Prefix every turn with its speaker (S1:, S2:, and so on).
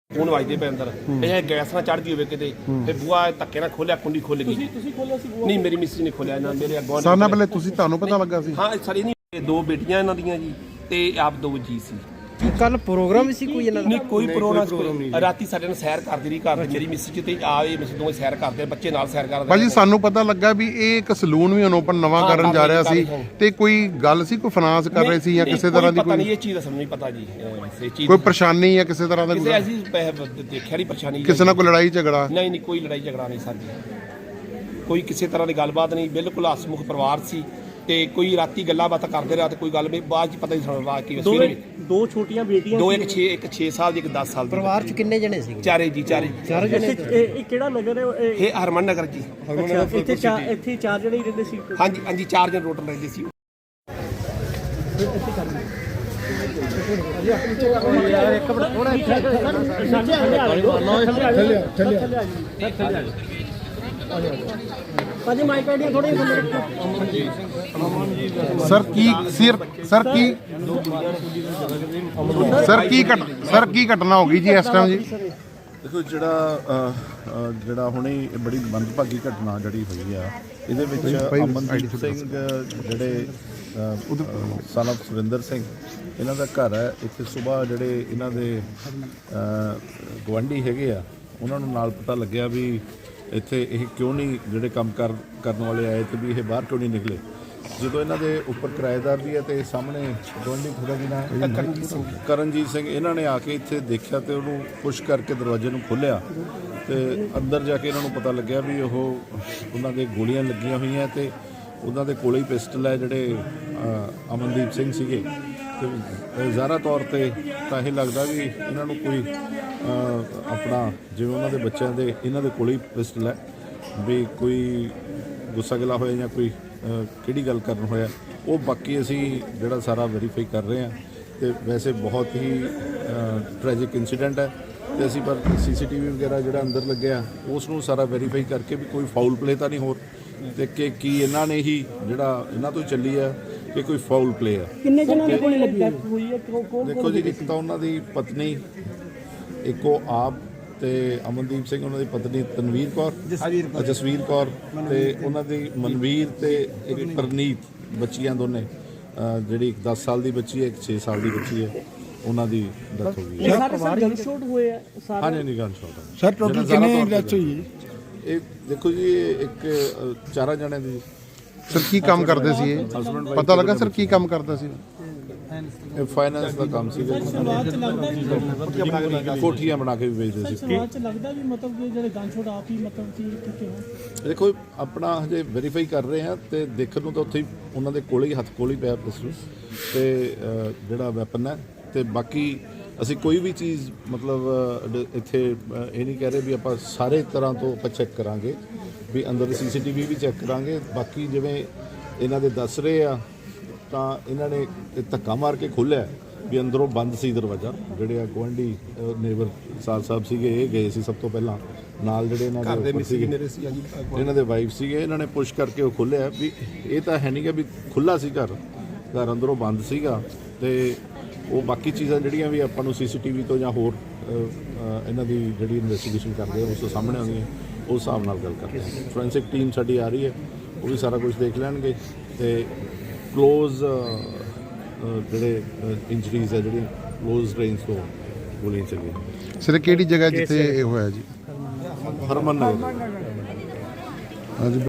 S1: phone वजदे पे अंदर ये गैस ना चढ़ गई हो किते फिर बुआ धक्के ना खोलिया कुंडी खुल गई नहीं मेरी मिस्सी ने खोलिया ना मेरे अगों
S2: साल पहले ਤੁਹਾਨੂੰ ਪਤਾ ਲੱਗਾ ਸੀ
S1: हाँ सारी नहीं दो बेटियां इन्हां दियां जी ते आप दो जी सी
S3: कल प्रोग्राम सी कोई इन्हां दा
S1: नहीं कोई प्रोग्राम राती साडे ਨਾਲ ਸੈਰ ਕਰਦੀ ਰਹੀ ਘਰ ਮੇਰੀ ਮਿਸ ਚ ਤੇ ਆਏ ਮਿਸ ਦੋਵੇਂ ਸੈਰ ਕਰਦੇ ਬੱਚੇ ਨਾਲ ਸੈਰ ਕਰਦੇ
S2: ਭਾਜੀ ਸਾਨੂੰ ਪਤਾ ਲੱਗਾ ਵੀ ਇਹ ਇੱਕ ਸਲੂਨ ਵੀ ਓਪਨ ਨਵਾਂ ਕਰਨ ਜਾ ਰਿਹਾ ਸੀ ਤੇ ਕੋਈ ਗੱਲ ਸੀ ਕੋਈ ਫਾਈਨਾਂਸ ਕਰ ਰਹੇ ਸੀ ਜਾਂ ਕਿਸੇ ਤਰ੍ਹਾਂ ਦੀ
S1: ਪਤਾ ਨਹੀਂ ਇਹ ਚੀਜ਼ ਦਾ ਸਾਨੂੰ ਨਹੀਂ ਪਤਾ ਜੀ ਇਹ ਚੀਜ਼
S2: ਕੋਈ ਪਰੇਸ਼ਾਨੀ ਜਾਂ ਕਿਸੇ ਤਰ੍ਹਾਂ ਦਾ
S1: ਕਿਸੇ ਐਸੀ ਦੇਖਿਆ ਨਹੀਂ ਪਰੇਸ਼ਾਨੀ
S2: ਕਿਸੇ ਨਾਲ ਕੋਈ ਲੜਾਈ ਝਗੜਾ
S1: ਨਹੀਂ ਨਹੀਂ ਕੋਈ ਲੜਾਈ ਝਗੜਾ ਨਹੀਂ ਸਰ ਜੀ ਕੋਈ ਕਿਸੇ ਤਰ੍ਹਾਂ ਦੀ ਗੱਲਬਾਤ ਨਹੀਂ ਬਿਲਕੁਲ ਹਸਮੁਖ ਪਰਿਵਾਰ ਸੀ ਤੇ ਕੋਈ ਰਾਤੀ ਗੱਲਾਂ ਬਾਤਾਂ ਕਰਦੇ ਰਿਹਾ ਤੇ ਕੋਈ ਗੱਲ ਵੀ ਬਾਅਦ ਚ ਪਤਾ ਨਹੀਂ ਸਾਨੂੰ ਕੀ ਸਵੇਰੇ
S3: ਦੋ ਛੋਟੀਆਂ ਬੇਟੀਆਂ
S1: ਦੋ ਇੱਕ 6 ਸਾਲ ਦੀ ਇੱਕ 10 ਸਾਲ ਦੀ
S3: ਪਰਿਵਾਰ ਚ ਕਿੰਨੇ ਜਣੇ ਸੀ
S1: ਚਾਰੇ
S3: ਚਾਰ ਜਣੇ ਇਹ ਕਿਹੜਾ ਨਗਰ ਹੈ
S1: ਇਹ ਹਰਮਨ ਨਗਰ ਜੀ
S3: ਇੱਥੇ ਚਾਰ ਜਣੇ ਹੀ ਰਹਿੰਦੇ ਸੀ
S1: ਹਾਂਜੀ ਹਾਂਜੀ ਚਾਰ ਜਣ ਟੋਟਲ ਰਹਿੰਦੇ ਸੀ
S2: ਸਰ ਕੀ ਘਟਨਾ ਹੋ ਗਈ ਜੀ ਇਸ ਟਾਈਮ ਜੀ
S4: देखो ਜਿਹੜਾ ਹੁਣੇ ਬੜੀ ਮੰਦਭਾਗੀ ਘਟਨਾ ਜਿਹੜੀ ਹੋਈ ਆ ਇਹਦੇ ਵਿੱਚ ਅਮਨਦੀਪ ਸਿੰਘ ਜਿਹੜੇ son of ਸੁਰਿੰਦਰ ਸਿੰਘ ਇਹਨਾਂ ਦਾ ਘਰ ਹੈ ਇੱਥੇ ਸਵੇਰ ਜਿਹੜੇ ਇਹਨਾਂ ਦੇ ਗਵਾਂਢੀ ਹੈਗੇ ਆ ਉਹਨਾਂ ਨੂੰ ਨਾਲ ਪਤਾ ਲੱਗਿਆ ਵੀ ਇੱਥੇ ਇਹ ਕਿਉਂ ਨਹੀਂ ਜਿਹੜੇ ਕੰਮ ਕਰਨ ਵਾਲੇ ਆਏ ਤੇ ਵੀ ਇਹ ਬਾਹਰ ਕਿਉਂ ਨਹੀਂ ਨਿਕਲੇ ਜਦੋਂ ਇਹਨਾਂ ਦੇ ਉੱਪਰ ਕਿਰਾਏਦਾਰ ਵੀ ਹੈ ਤੇ ਸਾਹਮਣੇ ਗਵਾਂਢੀ ਥੋੜਾ ਜਿਹਾ ਕਰਨਜੀਤ ਸਿੰਘ ਇਹਨਾਂ ਨੇ ਆ ਕੇ ਇੱਥੇ ਦੇਖਿਆ ਤੇ ਉਹਨੂੰ ਪੁਸ਼ ਕਰਕੇ ਦਰਵਾਜ਼ੇ ਨੂੰ ਖੋਲ੍ਹਿਆ ਤੇ ਅੰਦਰ ਜਾ ਕੇ ਇਹਨਾਂ ਨੂੰ ਪਤਾ ਲੱਗਿਆ ਵੀ ਉਹਨਾਂ ਦੇ ਗੋਲੀਆਂ ਲੱਗੀਆਂ ਹੋਈਆਂ ਤੇ ਉਹਨਾਂ ਦੇ ਕੋਲੇ ਹੀ ਪਿਸਟਲ ਹੈ ਜਿਹੜੇ ਅਮਨਦੀਪ ਸਿੰਘ ਸੀਗੇ ਤੇ ਜ਼ਾਹਰਾ ਤੌਰ ਤੇ ਤਾਂ ਇਹ ਲੱਗਦਾ ਵੀ ਇਹਨਾਂ ਨੂੰ ਕੋਈ ਆਪਣਾ ਜਿਵੇਂ ਉਹਨਾਂ ਦੇ ਬੱਚਿਆਂ ਦੇ ਇਹਨਾਂ ਦੇ ਕੋਲੇ ਹੀ ਪਿਸਟਲ ਹੈ ਵੀ ਕੋਈ ਗੁੱਸਾ ਗਿਲਾ ਹੋਇਆ ਜਾਂ ਕੋਈ ਕਿਹੜੀ ਗੱਲ ਕਰਨ ਹੋਇਆ ਉਹ ਬਾਕੀ ਅਸੀਂ ਜਿਹੜਾ ਸਾਰਾ ਵੈਰੀਫਾਈ ਕਰ ਰਹੇ ਹਾਂ ਤੇ ਵੈਸੇ ਬਹੁਤ ਹੀ ਟ੍ਰੈਜਿਕ ਇਨਸੀਡੈਂਟ ਹੈ ਤੇ ਅਸੀਂ ਪਰ CCTV ਵਗੈਰਾ ਜਿਹੜਾ ਅੰਦਰ ਲੱਗਿਆ ਉਸ ਨੂੰ ਸਾਰਾ ਵੈਰੀਫਾਈ ਕਰਕੇ ਵੀ ਕੋਈ ਫਾਊਲ ਪਲੇ ਤਾਂ ਨਹੀਂ ਹੋਰ ਤੇ ਕਿ ਕੀ ਇਹਨਾਂ ਨੇ ਹੀ ਜਿਹੜਾ ਇਹਨਾਂ ਤੋਂ ਚੱਲੀ ਆ ਕਿ ਕੋਈ ਫਾਊਲ ਪਲੇ ਆ
S3: ਕਿੰਨੇ ਜਣਾਂ ਦੇ ਕੋਲ ਲੱਗੀ ਹੋਈ ਹੈ
S4: ਦੇਖੋ ਜੀ ਇੱਕ ਤਾਂ ਉਹਨਾਂ ਦੀ ਪਤਨੀ ਇੱਕੋ ਆਪ ਤੇ ਅਮਨਦੀਪ ਸਿੰਘ ਉਹਨਾਂ ਦੀ ਪਤਨੀ ਤਨਵੀਰ ਕੌਰ ਜਸਵੀਰ ਕੌਰ ਤੇ ਉਹਨਾਂ ਦੀ ਮਨਵੀਰ ਤੇ ਇੱਕ ਪ੍ਰਨੀਤ ਬੱਚੀਆਂ ਦੋਨੇ ਜਿਹੜੀ ਇੱਕ 10 ਸਾਲ ਦੀ ਬੱਚੀ ਹੈ ਇੱਕ 6 ਸਾਲ ਦੀ ਬੱਚੀ ਹੈ ਉਹਨਾਂ ਦੀ ਡੈਥ ਹੋ ਗਈ
S3: ਸਾਰੇ ਗਨ ਸ਼ਾਟ ਹੋਏ ਆ ਸਾਰੇ
S4: ਹਾਂਜੀ ਨਹੀਂ ਗਨ ਸ਼ਾਟ
S2: ਸਰ ਟੋਟਲ ਕਿੰਨੇ ਡੈਥ ਹੋਈ ਹੈ
S4: ਇਹ ਦੇਖੋ ਜੀ ਇੱਕ 4 ਜਣਿਆਂ ਦੀ
S2: ਸਰ ਕੀ ਕੰਮ ਕਰਦੇ ਸੀ ਇਹ ਪਤਾ ਲੱਗਾ ਸਰ ਕੀ ਕੰਮ ਕਰਦਾ ਸੀ
S4: ਇਹ ਫਾਈਨੈਂਸ ਦਾ ਕੰਮ ਸੀ ਕੋਠੀਆਂ ਬਣਾ ਕੇ ਵੀ ਵੇਚਦੇ ਸੀ
S3: ਸਮਾਜ ਚ ਲੱਗਦਾ ਵੀ ਮਤਲਬ ਕਿ ਜਿਹੜੇ ਗਨ ਸ਼ਾਟ ਆਪ ਹੀ ਮਤਲਬ ਕਿ ਕਿਉਂ
S4: ਦੇਖੋ ਆਪਣਾ ਹਜੇ ਵੈਰੀਫਾਈ ਕਰ ਰਹੇ ਹਾਂ ਤੇ ਦੇਖਣ ਨੂੰ ਤਾਂ ਉੱਥੇ ਹੀ ਉਹਨਾਂ ਦੇ ਕੋਲੇ ਹੀ ਹੱਥ ਕੋਲ ਹੀ ਪਿਆ ਪਿਸਟਲ ਤੇ ਜਿਹੜਾ ਵੈਪਨ ਹੈ ਤੇ ਬਾਕੀ ਅਸੀਂ ਕੋਈ ਵੀ ਚੀਜ਼ ਮਤਲਬ ਇੱਥੇ ਇਹ ਨਹੀਂ ਕਹਿ ਰਹੇ ਵੀ ਆਪਾਂ ਸਾਰੇ ਤਰ੍ਹਾਂ ਤੋਂ ਆਪਾਂ ਚੈੱਕ ਕਰਾਂਗੇ ਵੀ ਅੰਦਰ CCTV ਵੀ ਚੈੱਕ ਕਰਾਂਗੇ ਬਾਕੀ ਜਿਵੇਂ ਇਹਨਾਂ ਦੇ ਦੱਸ ਰਹੇ ਆ ਤਾਂ ਇਹਨਾਂ ਨੇ ਧੱਕਾ ਮਾਰ ਕੇ ਖੋਲ੍ਹਿਆ ਵੀ ਅੰਦਰੋਂ ਬੰਦ ਸੀ ਦਰਵਾਜ਼ਾ ਜਿਹੜੇ ਆ ਗੁਆਂਢੀ ਨੇਬਰ ਸਾਹਿਬ ਸੀਗੇ ਇਹ ਗਏ ਸੀ ਸਭ ਤੋਂ ਪਹਿਲਾਂ ਨਾਲ ਜਿਹੜੇ ਇਹਨਾਂ ਦੇ ਇਹਨਾਂ ਦੇ ਵਾਈਫ ਸੀਗੇ ਇਹਨਾਂ ਨੇ ਪੁਸ਼ ਕਰਕੇ ਉਹ ਖੋਲ੍ਹਿਆ ਵੀ ਇਹ ਤਾਂ ਹੈ ਨਹੀਂ ਕਿ ਵੀ ਖੁੱਲ੍ਹਾ ਸੀ ਘਰ ਅੰਦਰੋਂ ਬੰਦ ਸੀਗਾ ਤੇ ਉਹ ਬਾਕੀ ਚੀਜ਼ਾਂ ਜਿਹੜੀਆਂ ਵੀ ਆਪਾਂ ਨੂੰ CCTV ਤੋਂ ਜਾਂ ਹੋਰ ਇਹਨਾਂ ਦੀ ਜਿਹੜੀ ਇਨਵੈਸਟੀਗੇਸ਼ਨ ਕਰਦੇ ਆ ਉਸ ਤੋਂ ਸਾਹਮਣੇ ਆਉਂਦੀਆਂ ਉਸ ਹਿਸਾਬ ਨਾਲ ਗੱਲ ਕਰਦੇ ਹਾਂ ਫੋਰੈਂਸਿਕ ਟੀਮ ਸਾਡੀ ਆ ਰਹੀ ਹੈ ਉਹ ਵੀ ਸਾਰਾ ਕੁਝ ਦੇਖ ਲੈਣਗੇ ਤੇ ਕਲੋਜ਼ ਜਿਹੜੇ ਇੰਜਰੀਜ਼ ਹੈ ਜਿਹੜੀਆਂ ਕਲੋਜ਼ ਰੇਂਜ ਤੋਂ ਗੋਲੀਆਂ ਚੱਲੀਆਂ
S2: ਸਰ ਕਿਹੜੀ ਜਗ੍ਹਾ ਜਿੱਥੇ ਇਹ ਹੋਇਆ ਜੀ
S4: ਹਰਮਨ ਨਗਰ